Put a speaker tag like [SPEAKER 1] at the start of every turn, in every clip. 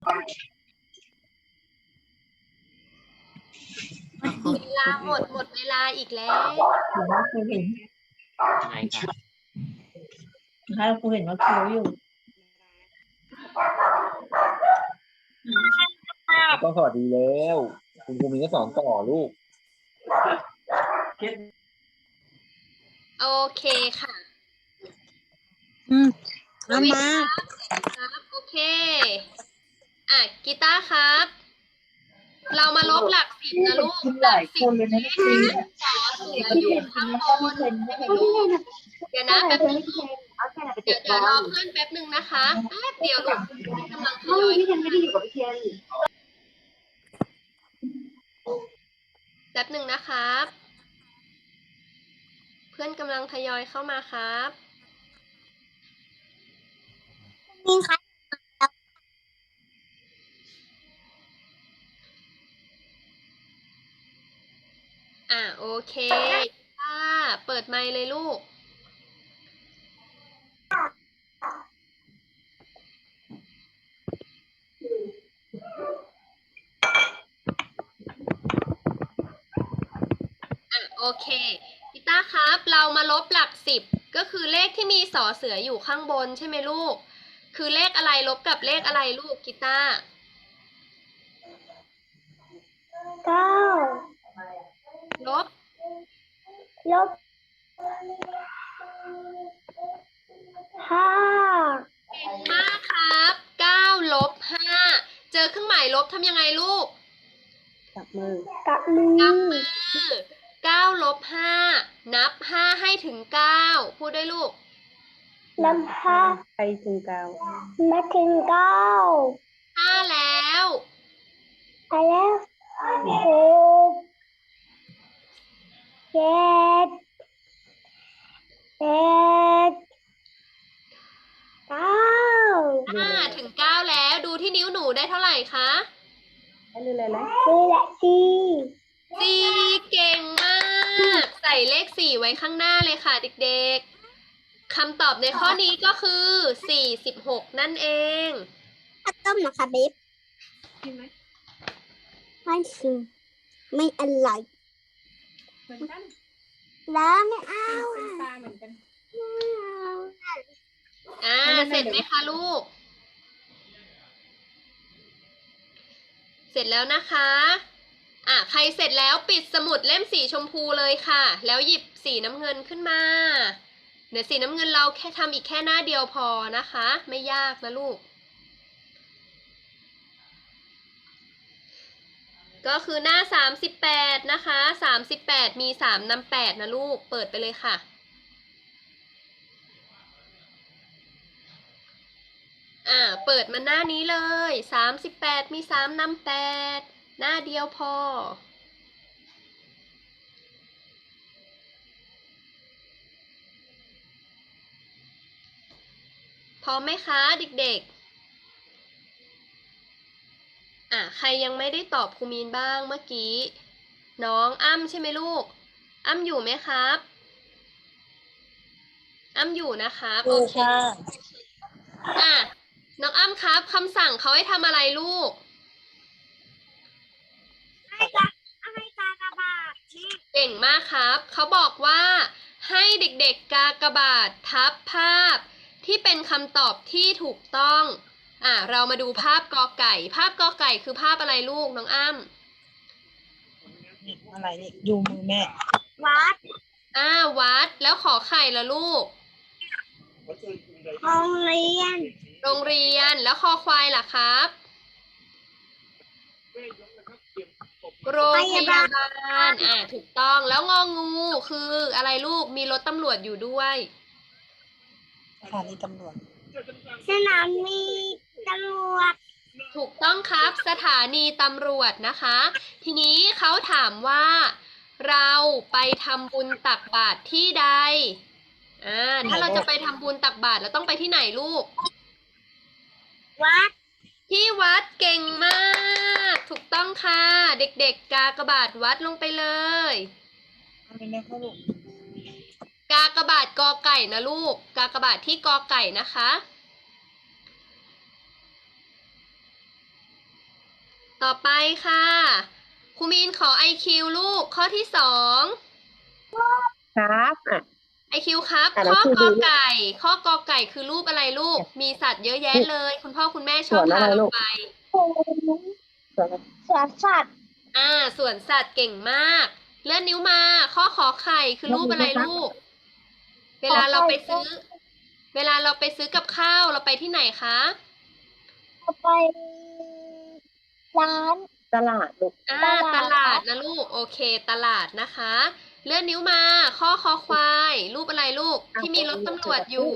[SPEAKER 1] เวลาหมดเวลาอีกแล้ว
[SPEAKER 2] หรือว่าครูเห็น
[SPEAKER 3] ไหนครับ
[SPEAKER 2] ถ้าครูเห็นว่าคิวอยู่
[SPEAKER 4] ต้องสวัสดีแล้ว คุณครูมีก็สอนต่อลูก
[SPEAKER 1] โอเคค่ะ
[SPEAKER 5] เอามา
[SPEAKER 1] ครับโอเคกีตาร์ครับ เรามาลบหลัก10นะลูกหลัก10เลขที่สอเสืออยู่ข้างบนเดี๋ยวนะแป๊บนึงเดี๋ยวรอเพื่อนแป๊บนึงนะคะแป๊บเดียวลูกกำลังทยอยแป๊บนึงนะครับ เพื่อนกำลังทยอยเข้ามาครับ
[SPEAKER 5] มีใคร
[SPEAKER 1] โอเคเปิดไมค์เลยลูกโอเคกีตาร์ครับ เรามาลบหลัก10ก็คือเลขที่มีสอเสืออยู่ข้างบนใช่ไหมลูกคือเลขอะไรลบกับเลขอะไรลูกกีตาร์
[SPEAKER 5] 9
[SPEAKER 1] ลบ
[SPEAKER 5] ลบ 5
[SPEAKER 1] เก่งมากครับ9 ลบ 5เจอเครื่องหมายลบทำยังไงลูก
[SPEAKER 5] กับมือ
[SPEAKER 1] 9 ลบ 5นับ5ให้ถึง9พูดด้วยลูก
[SPEAKER 5] นับ5ไปถึง 9มาถึง 9
[SPEAKER 1] 5แล้ว
[SPEAKER 5] ไปแล้ว6 7 8 9
[SPEAKER 1] 5 ถึง 9แล้วดูที่นิ้วหนูได้เท่าไหร่คะ
[SPEAKER 5] นี่แหละ4
[SPEAKER 1] 4เก่งมาก ใส่เลข4ไว้ข้างหน้าเลยค่ะเด็กๆคำตอบในข้อนี้ก็คือ46นั่นเอง
[SPEAKER 5] ข้าวต้มนะคะบิ๊บไม่ซื้อไม่อร่อยแล้วไม่เอา
[SPEAKER 1] เสร็จไหมคะลูก เสร็จแล้วนะคะใครเสร็จแล้วปิดสมุดเล่มสีชมพูเลยค่ะ แล้วหยิบสีน้ำเงินขึ้นมาเดี๋ยวสีน้ำเงินเราแค่ทำอีกแค่หน้าเดียวพอนะคะไม่ยากนะลูกก็คือหน้า38นะคะ38มี3นำ8นะลูกเปิดไปเลยค่ะเปิดมาหน้านี้เลย38มี3นำ8หน้าเดียวพอพร้อมไหมคะเด็กๆใครยังไม่ได้ตอบครูมีนบ้างเมื่อกี้น้องอ้ำใช่ไหมลูกอ้ำอยู่ไหมครับอ้ำอยู่นะครับโอเคน้องอ้ำครับคำสั่งเขาให้ทำอะไรลูก
[SPEAKER 5] ให้กากบาท
[SPEAKER 1] เก่งมากครับเขาบอกว่าให้เด็กๆกากบาททับภาพที่เป็นคำตอบที่ถูกต้องเรามาดูภาพกอไก่ภาพกอไก่คือภาพอะไรลูกน้องอ้ำ
[SPEAKER 2] อะไรนี่ดูมือแม่
[SPEAKER 5] วัด
[SPEAKER 1] วัดแล้วขอไข่ละลูก
[SPEAKER 5] โรงเรียน
[SPEAKER 1] โรงเรียนแล้วคอควายล่ะครับโรงพยาบาลถูกต้องแล้วงองูคืออะไรลูกมีรถตำรวจอยู่ด้วย
[SPEAKER 2] สถานีตำรวจ
[SPEAKER 5] สนามมีตำรวจ
[SPEAKER 1] ถูกต้องครับสถานีตำรวจนะคะทีนี้เขาถามว่าเราไปทำบุญตักบาตรที่ใดถ้าเราจะไปทำบุญตักบาตรเราต้องไปที่ไหนลูก
[SPEAKER 5] วัด
[SPEAKER 1] ที่วัดเก่งมากถูกต้องค่ะเด็กๆกากบาทวัดลงไปเลยกากบาทกอไก่นะลูกกากบาทที่กอไก่นะคะต่อไปค่ะครูมีนขอ IQ ลูกข้อที่สอง
[SPEAKER 5] ครับอ่ะ
[SPEAKER 1] IQ ครับ
[SPEAKER 5] อ่ะ
[SPEAKER 1] ข้อ
[SPEAKER 5] แล้วครู
[SPEAKER 1] ก
[SPEAKER 5] ดู
[SPEAKER 1] อไก่ ข้อกอไก่คือรูปอะไรลูก มีสัตว์เยอะแยะเลย คุณพ่อคุณแม่ชอบ
[SPEAKER 5] สวน
[SPEAKER 1] พา
[SPEAKER 5] อะไร
[SPEAKER 1] เรา
[SPEAKER 5] ลูก
[SPEAKER 1] ไป
[SPEAKER 5] สวนสัตว์
[SPEAKER 1] สวนสัตว์เก่งมาก เลื่อนนิ้วมา ข้อขอไข่คือรูปอะไรลูก เวลาเราไปซื้อ เวลาเราไปซื้อกับข้าวเราไปที่ไหนคะ
[SPEAKER 5] ไปร้านตลาดลูก
[SPEAKER 1] ตลาดนะลูก โอเค ตลาดนะคะ เลื่อนนิ้วมา ข้อคอควาย รูปอะไรลูก ที่มีรถตำรวจอยู่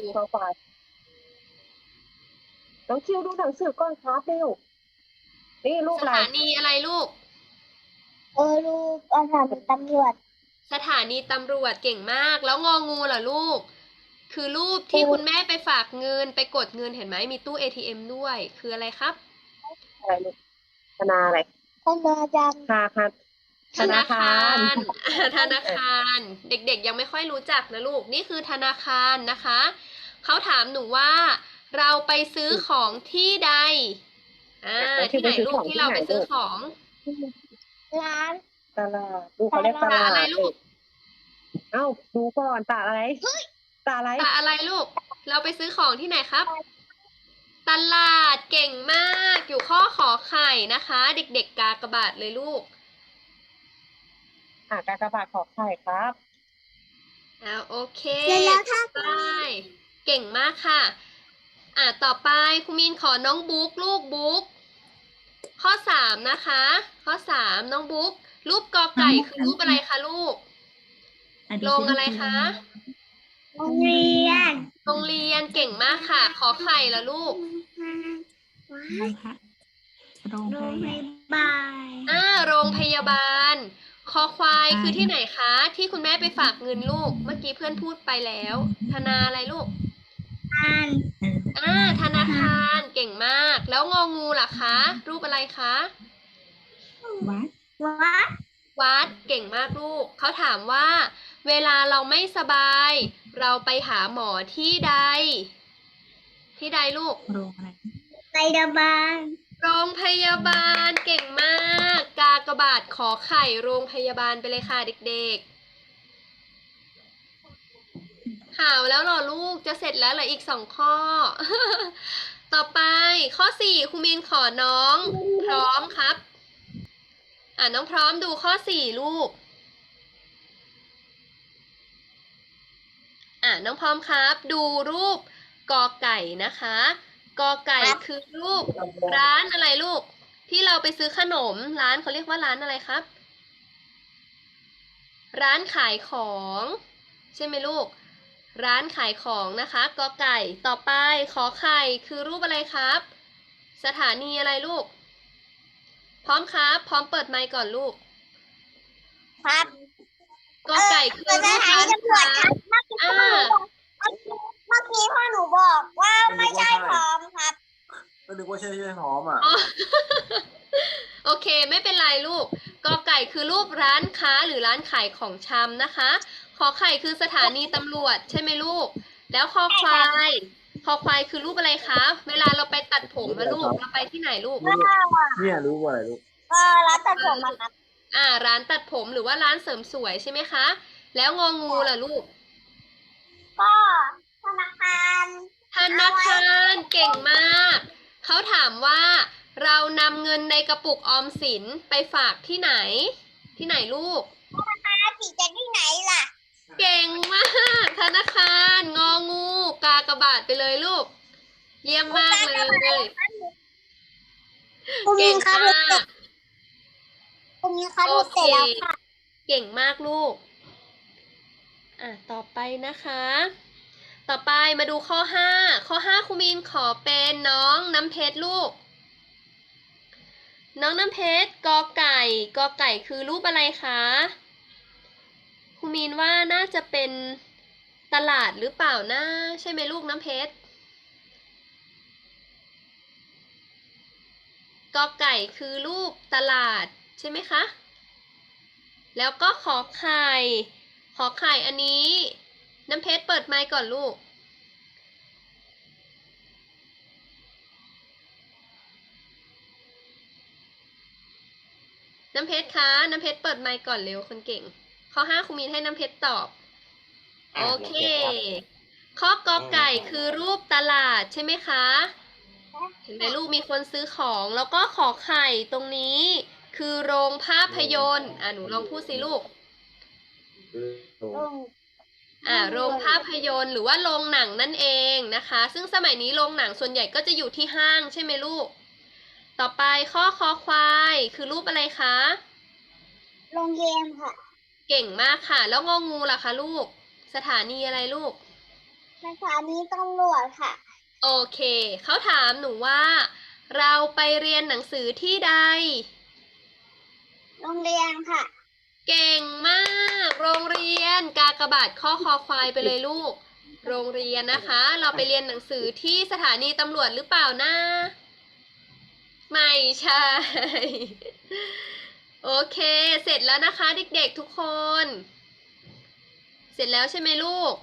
[SPEAKER 5] น้องคิวดูหนังสือก่อนครับเร็วนี่รูป
[SPEAKER 1] ส
[SPEAKER 5] อะไร
[SPEAKER 1] ถานีอะไรลูก
[SPEAKER 5] รูปสถานีตำรวจ
[SPEAKER 1] สถานีตำรวจเก่งมาก แล้วงองูล่ะลูก คือรูปที่คุณแม่ไปฝากเงินไปกดเงินเห็นไหมมีตู้ ATM ด้วย คืออะไรครับ
[SPEAKER 5] อะไรลูกธนาอะไรธนาจังค่ะ
[SPEAKER 1] ธนาคาร ธนาคาร เด็กๆยังไม่ค่อยรู้จักนะลูก นี่คือธนาคารนะคะ เขาถามหนูว่า เราไปซื้อของที่ใด ที่ไหนลูกที่เราไปซื้อของ
[SPEAKER 5] ร้านตลาดดูเขาเรียกตลาด
[SPEAKER 1] อะไรลูก
[SPEAKER 5] เอ้าดูก่อนตาอะไรตาอะไร
[SPEAKER 1] ตาอะไรลูก เราไปซื้อของที่ไหนครับ ตลาดเก่งมาก อยู่ข้อขอไข่นะคะ เด็กๆกากบาทเลยลูก
[SPEAKER 5] กากบาทขอไข่ครับ
[SPEAKER 1] โอเค
[SPEAKER 5] แล้วถ้า
[SPEAKER 1] ไปเก่งมากค่ะ ต่อไปคุณมีนขอน้องบุ๊กลูกบุ๊ก ข้อสามนะคะ ข้อสามน้องบุ๊ก รูปกอไก่คือรูปอะไรคะลูก โรงอะไรคะ
[SPEAKER 5] โรงเรียน
[SPEAKER 1] โรงเรียนเก่งมากค่ะ ขอไข่ละลูก
[SPEAKER 2] โรงพยาบาล
[SPEAKER 1] โรงพยาบาล คอควายคือที่ไหนคะ ที่คุณแม่ไปฝากเงินลูก เมื่อกี้เพื่อนพูดไปแล้ว ธนาอะไรลูก ธนาคารเก่งมาก แล้วงองูล่ะคะ รูปอะไรคะ
[SPEAKER 2] วัด
[SPEAKER 1] วัดเก่งมากลูก เขาถามว่า เวลาเราไม่สบาย เราไปหาหมอที่ใด ที่ใดลูก
[SPEAKER 2] โรงอะไร
[SPEAKER 5] พยาบาล
[SPEAKER 1] โรงพยาบาลเก่งมาก กากบาทขอไข่โรงพยาบาลไปเลยค่ะเด็กๆข่าวแล้วเหรอลูกจะเสร็จแล้วเหลืออีก2 ข้อ ต่อไปข้อ4ครูมินขอน้องพร้อมครับ น้องพร้อมดูข้อ4ลูก น้องพร้อมครับ ดูรูปกอไก่นะคะ กอไก่คือรูปร้านอะไรลูก ที่เราไปซื้อขนมร้านเขาเรียกว่าร้านอะไรครับ ร้านขายของ ใช่ไหมลูก ร้านขายของนะคะกอไก่ต่อไปขอไข่คือรูปอะไรครับ สถานีอะไรลูก พร้อมครับ พร้อมเปิดไมค์ก่อนลูก
[SPEAKER 5] ครับ
[SPEAKER 1] กอไก่คือรูปร้านค้า
[SPEAKER 5] เมื่อกี้พ่อหนูบอกว่าไม่ใช่พร้อมครับ
[SPEAKER 4] ก็นึกว่าใช่หอมอ่ะ
[SPEAKER 1] โอเคไม่เป็นไรลูกกอไก่คือรูปร้านค้าหรือร้านขายของชำนะคะ ขอไข่คือสถานีตำรวจใช่ไหมลูก แล้วคอควายคือรูปอะไรคะเวลาเราไปตัดผมนะลูกเราไปที่ไหนลูก
[SPEAKER 4] เนี่ยรู้ว่าอะไรลูก
[SPEAKER 5] ร้านตัดผมอะครับ
[SPEAKER 1] ร้านตัดผมหรือว่าร้านเสริมสวยใช่ไหมคะ แล้วงองูล่ะลูก
[SPEAKER 5] ก็ธนาคาร
[SPEAKER 1] ธนาคารเก่งมาก เขาถามว่าเรานำเงินในกระปุกออมสินไปฝากที่ไหน ที่ไหนลูก
[SPEAKER 5] สีจะที่ไหนล่ะ
[SPEAKER 1] เก่งมาก ธนาคาร งองู กากบาทไปเลยลูก เยี่ยมมากเลย เก่งมาก
[SPEAKER 5] คุณมีค่ะ
[SPEAKER 1] โอ
[SPEAKER 5] ดู
[SPEAKER 1] เค
[SPEAKER 5] เสร็จแล้วค่ะ
[SPEAKER 1] เก่งมากลูก ต่อไปนะคะ ต่อไปมาดูข้อ5ข้อ5ครูมีนขอเป็นน้องน้ำเพชรลูก น้องน้ำเพชรกอไก่คือรูปอะไรคะครูมีนว่าน่าจะเป็นตลาดหรือเปล่านะใช่ไหมลูกน้ำเพชรกอไก่คือรูปตลาดใช่ไหมคะแล้วก็ขอไข่อันนี้น้ำเพชรเปิดไมค์ก่อนลูกน้ำเพชรคะน้ำเพชรเปิดไมค์ก่อนเร็วคนเก่ง ข้อ 5ครูมีนให้น้ำเพชรตอบ โอเค ข้อกอไก่คือรูปตลาดใช่ไหมคะ เห็นไหมลูกมีคนซื้อของ แล้วก็ขอไข่ตรงนี้ คือโรงภาพยนตร์หนูลองพูดสิลูก โรงภาพยนตร์หรือว่าโรงหนังนั่นเองนะคะ ซึ่งสมัยนี้โรงหนังส่วนใหญ่ก็จะอยู่ที่ห้างใช่ไหมลูก ต่อไปข้อคอควายคือรูปอะไรคะ
[SPEAKER 5] โรงเรียนค่ะ
[SPEAKER 1] เก่งมากค่ะ แล้วงองูล่ะคะลูก สถานีอะไรลูก
[SPEAKER 5] สถานีตำรวจค่ะ
[SPEAKER 1] โอเค เขาถามหนูว่า เราไปเรียนหนังสือที่ใด
[SPEAKER 5] โรงเรียนค่ะ
[SPEAKER 1] เก่งมาก โรงเรียนกากบาทข้อคอควายไปเลยลูก โรงเรียนนะคะ เราไปเรียนหนังสือที่สถานีตำรวจหรือเปล่านะ ไม่ใช่ โอเค เสร็จแล้วนะคะเด็กๆทุกคน เสร็จแล้วใช่ไหมลูก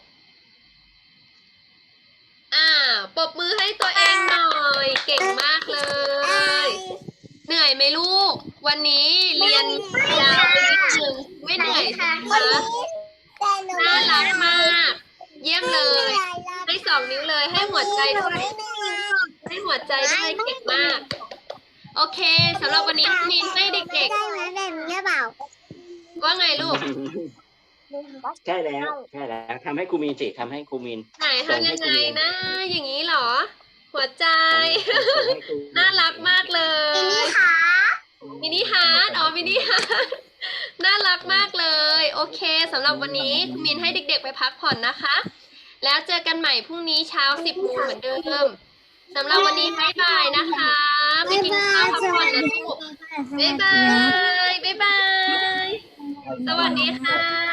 [SPEAKER 1] ปรบมือให้ตัวเองหน่อย เก่งมากเลย เหนื่อยไหมลูก วันนี้เรียนยาวไปนิดนึงไม่เหนื่อยใช่ไหมคะน่ารักมาก เยี่ยมเลย ให้2 นิ้วเลย ให้หัวใจด้วย ให้หัวใจด้วยเก่งมาก โอเคสำหรับวันนี้มีให้เด็ก
[SPEAKER 5] ได้ไหมแบบนี้เปล่า
[SPEAKER 1] ๆ ว่าไงลูก
[SPEAKER 3] ใช่แล้วทำให้ครูมีนสิทำให้ครูมีน
[SPEAKER 1] ไหนทำยังไงนะ อย่างนี้เหรอ หัวใจ น่ารักมากเลย มินิฮาร์ดมินิฮาร์ดน่ารักมากเลย โอเคสำหรับวันนี้คุณมินให้เด็กๆไปพักผ่อนนะคะ แล้วเจอกันใหม่พรุ่งนี้เช้า 10 โมงเหมือนเดิมสำหรับวันนี้บ๊ายบายนะคะไปกินข้าวพักผ่อนนะลูกบ๊ายบาย บ๊ายบาย สวัสดีค่ะ